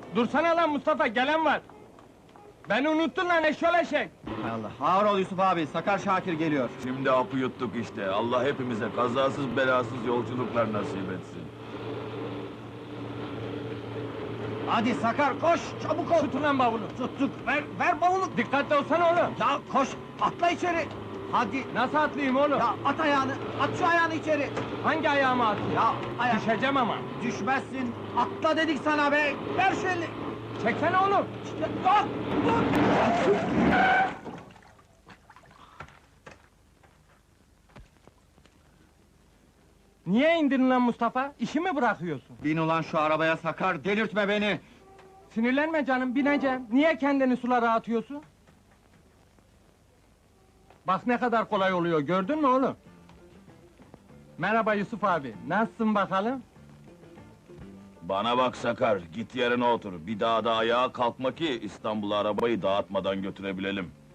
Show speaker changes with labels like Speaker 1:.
Speaker 1: Dursana lan Mustafa, gelen var! Beni unuttun lan eşşol eşek!
Speaker 2: Hay Allah, ağır ol Yusuf abi, Sakar Şakir geliyor.
Speaker 3: Şimdi hapı yuttuk işte. Allah hepimize kazasız belasız yolculuklar nasip etsin.
Speaker 2: Hadi Sakar, koş, çabuk ol!
Speaker 1: Tutun lan bavulu!
Speaker 2: Tuttuk, ver bavulu!
Speaker 1: Dikkatli olsana oğlum!
Speaker 2: Ya koş, atla içeri! Hadi!
Speaker 1: Nasıl atlayayım oğlum?
Speaker 2: Ya at ayağını, at şu ayağını içeri!
Speaker 1: Hangi ayağıma atayım?
Speaker 2: Ya ayak...
Speaker 1: Düşeceğim ama!
Speaker 2: Düşmezsin, atla dedik sana be! Ver şu elini!
Speaker 1: Çeksene oğlum!
Speaker 2: Ya, dur!
Speaker 1: Niye indirin lan Mustafa? İşi mi bırakıyorsun?
Speaker 2: Bin ulan şu arabaya Sakar, delirtme beni!
Speaker 1: Sinirlenme canım, bineceğim. Niye kendini sulara atıyorsun? Bak ne kadar kolay oluyor, gördün mü oğlum? Merhaba Yusuf abi, nasılsın bakalım?
Speaker 3: Bana bak Sakar, git yerine otur. Bir daha da ayağa kalkma ki İstanbul'a arabayı dağıtmadan götürebilelim.